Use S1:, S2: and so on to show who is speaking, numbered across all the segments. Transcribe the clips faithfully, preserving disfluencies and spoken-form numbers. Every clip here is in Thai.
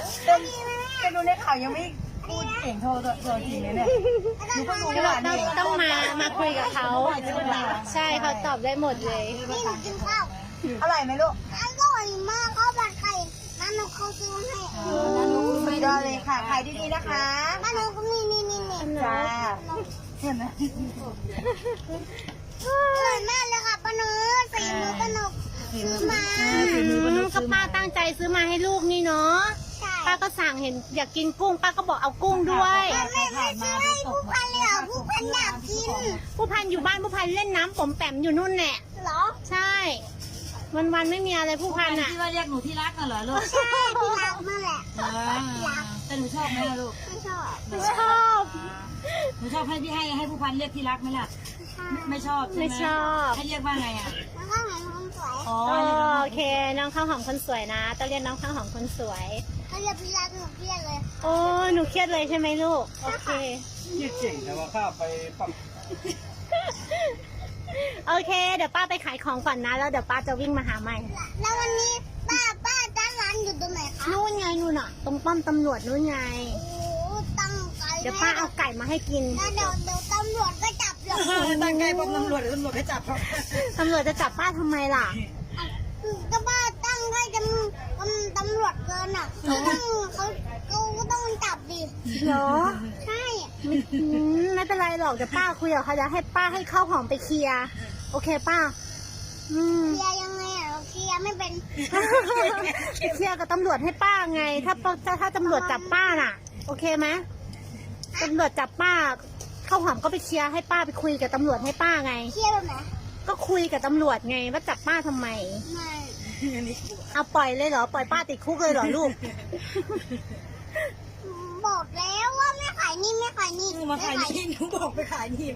S1: เป็นเป็นดูในข่าวยังไม่พูดเก่งเท่าตัวจริงเลยเนี่ยดูเพิ่งรู้ว่า
S2: ต้องต้องมามาคุยกับเขาใช่เขาตอบได้หมดเลย
S3: นี่หนูกินข้าว
S1: อร่อยไหมลูก
S3: อร่อยมากข้าวผัดไข่น้าหนูเขาซื้อให้
S1: สุดยอดเลยค่ะขายดีๆนะคะ
S3: น้าหนูก็นี่นี่นี่นี่
S1: จ้าเห็นไหม
S3: อร่อยมากเลยค่ะป้าหนูสีมือป้าหนูซื้อมา
S2: ก็ป้าตั้งใจซื้อมาให้ลูกนี่เนาะ
S3: ใช่
S2: ป้าก็สั่งเห็นอยากกินกุ้งป้าก็บอกเอากุ้งด้วย
S3: ไม่ไม่ซื้อให้ผู้พันเลยเหรอผู้พันอยากกิน
S2: ผู้พันอยู่บ้านผู้พันเล่นน้ำผมแปมอยู่นู่นแหละ
S3: เหรอ
S2: ใช่ วันวันๆไม่มีอะไรผู้พันอ่ะ
S4: ที่ว่าเรียกหนูที่รักน่ะเหรอลูก
S3: ใช่ที่รักนั่นแหละ
S4: อ่าแต่หนูชอบไหมล่ะลูก
S3: ไม่ชอบ
S2: ชอบ
S4: หนูชอบให้พี่ให้ให้ผู้พันเรียกที่รักไหมล่ะ ไม่ชอบใช่ไหม
S2: ไม่ชอบ
S4: ให้เรียกว่าไงอ่ะ
S3: แล้วก็เหมือนคนสวย
S4: อ๋อ
S2: โอเค น้องข้าวหอมคนสวยนะต้องเรียกน้องข้าวหอมคนสวย
S3: เขาเรียกพี่รักหนูเรียกเลย
S2: โอ้หนูเครียดเลยใช่ไหมลูก โอเค
S5: ยี่เจ๋งแต่ว่าข้าไปปั๊ม
S2: โอเค เดี๋ยวป้าไปขายของก่อนนะ แล้วเดี๋ยวป้าจะวิ่งมาหาใหม่
S3: แล้ววันนี้ป้าป้าจ้างร้านอยู่ตรงไหนคะ
S2: นู่นไงนู่นอ่ะ ตรงป้อมตำรวจนู่นไง
S3: โอ้ตั้งใจ
S2: เดี๋ยวป้าเอาไก่มาให้กิน
S3: แล้วเดี๋ยวเดี๋ยวตำรวจก็จับหรอก
S1: ตั้งใจพบตำรวจเดี๋ยวตำรวจให้จับเขา
S2: ตำรวจจะจับป้าทำไมล่ะ
S3: ก็ป้าตั้งให้จำตำรวจเกินอ่ะเขาต้องเขาเขาก็ต้องจับดิ
S2: เหรอ
S3: ใช่
S2: อืมไม่เป็นไรหรอกเดี๋ยวป้าคุยกับเขาจะให้ป้าให้ข้าวหอมไปเคลียร์โอเคป้า อืม
S3: เคลียร์ยังไงอ่ะเราเคลียร์ไม่เป็น
S2: ไปเคลียร์กับตำรวจให้ป้าไง ถ้าถ้าถ้าตำรวจจับป้าน่ะ โอเคไหมตำรวจจับป้าข้าวหอมก็ไปเคลียร์ให้ป้าไปคุยกับตำรวจให้ป้าไง
S3: เคลียร์แบบไหน
S2: ก็คุยกับตำรวจไงว่าจับป้าทำไม
S3: ไม่
S2: เอาปล่อยเลยเหรอปล่อยป้าติดคุกเลยเหรอลูก
S3: บอกแล้วว่าไม่ขายนี่ไม่ขายนี่
S1: มาขายนี่หนูบอกไปขายนี่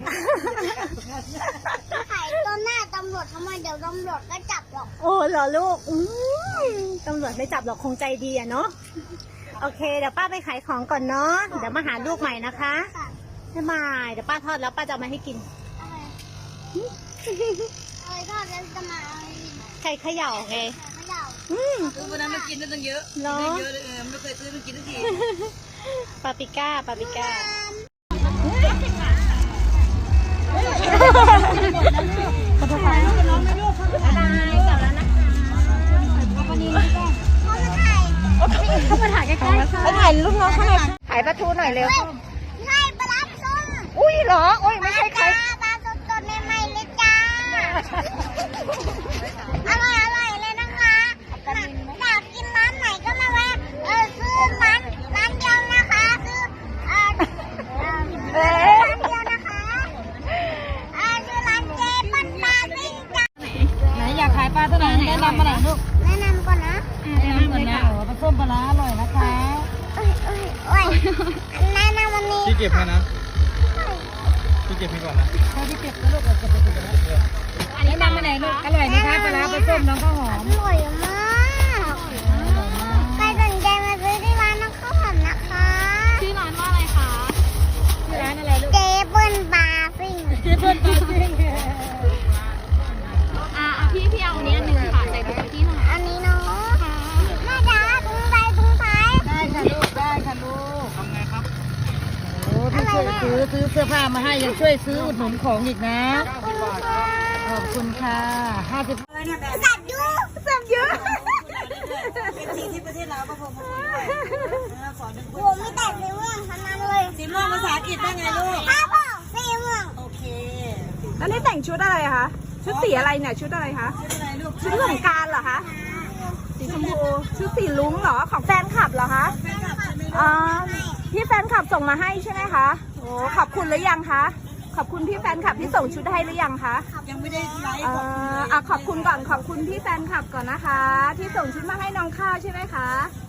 S3: ไม่ขายต้นหน้าตำรวจทำไมเดี๋ยวตำรวจก็จับหรอก
S2: โอ้เหรอลูกอืมตำรวจไม่จับหรอกคงใจดีอะเนาะโอเคเดี๋ยวป้าไปขายของก่อนเนาะเดี๋ยวมาหาลูกใหม่นะคะ
S3: ค่ะ
S2: บ๊ายบายเดี๋ยวป้าทอดแล้วป้าจะเอามาให้กิน
S3: อะไรอะไรทอดแล้วจะมาเอาอะไรอีก
S2: ไข่เขย่าไง
S3: ไข่เขย่า
S2: อืม
S4: คือวันนั้นมันกินได้ตั้งเยอะ
S2: เนาะ
S4: เยอะเลยเออไม่เคยซื้อมันกินทุกที
S2: ปาปริก้าปาปริก้าเข้ามาถ่ายใกล้ๆ
S1: ไปถ่ายลูกน้องข้างในถ่ายประตูหน่อยเร็ว
S3: ใช่ปลาร้าส้ม
S1: อุ้ยเหรอโอ้ยไม่ใช่ใคร
S3: ปลาสดสดใหม่ๆเลยจ้าอร่อยอร่อยเลยนะคะอยากกินร้านไหนก็มาแวะเออซื้อร้านร้านเดียวนะคะซื้อเออเออร้านเดียวนะคะเออซื้อร้านเจปันปลาซิ่งจ้า
S4: ไหนอยากขายปลาตัวไหนแนะนำมาไหนอยลูก
S3: แนะนำก่อนนะ
S4: แนะนำก่อนนะโอ้ปลาส้มปลาร้าอร่อยนะคะ
S3: เอ้ยเอ้ยเอ้ยแนะนำวันนี้
S5: พี่เก็บให้นะพี่เก็บให้ก่อนนะ
S4: ถ้าที่เก็บแล้วลูกเอาเก็บไปเก็บไปแล้วแนะนำมาไหนลูกอร่อยไหมคะปลาร้าปลาส้มน้องข้าวหอม
S3: อร่อยมากใครสนใจมาซื้อที่ร้านน้องข้าวหอมนะคะ
S2: ชื่อร้านว่าอะไรคะ
S4: ที่ร้านอะไรลูก
S3: เจเปิ้ลปลาซิ่ง
S4: ที่เพื่อนปลาซิ่ง
S2: อ่าพี่พี่เอาอันนี้อันหนึ่งค่ะใส่ถุงที่หน่อย
S3: อันนี้เนาะแม่จ๋าถุงใส่ถุงใส่
S4: ได้ค่ะลูกได้ค่ะลูก
S5: ทำไงครับ
S4: โอ้พี่ช่วยซื้อซื้อเสื้อผ้ามาให้ยังช่วยซื้ออุดหนุนของอีกนะ ขอบคุณค่ะห้าสิบ
S3: สับยูสับยู
S1: เป็นสีที่ประเทศลาวก็พอมาขอหนึ่ง
S3: โหมีแต่สีม่วงทั้งนั้นเลย
S1: สีม่วงภาษาอังกฤษได้ไงลูก
S3: ครับผมสีม่วง
S1: โอเค
S6: แล้วนี่แต่งชุดอะไรคะ ชุดสีอะไรเนี่ย ชุดอะไรคะ
S1: ชื่ออะไรลูก
S6: ชุดสงกรารเหรอคะ สีชมพู ชุดสีลุ้งเหรอ ของแฟนคลับเหรอคะ อ๋อ พี่แฟนคลับส่งมาให้ใช่ไหมคะ โอ้ขอบคุณหรือยังคะ ขอบคุณพี่แฟนคลับที่ส่งชุดให้หรือยังคะ
S1: ยังไม่ได้ไลฟ์
S6: เอ่
S1: ขอบคุณ
S6: ออ่ะขอบคุณก่อน ขอบคุณพี่แฟนคลับก่อนนะคะ ที่ส่งชุดมาให้น้องข้าวใช่ไหมคะ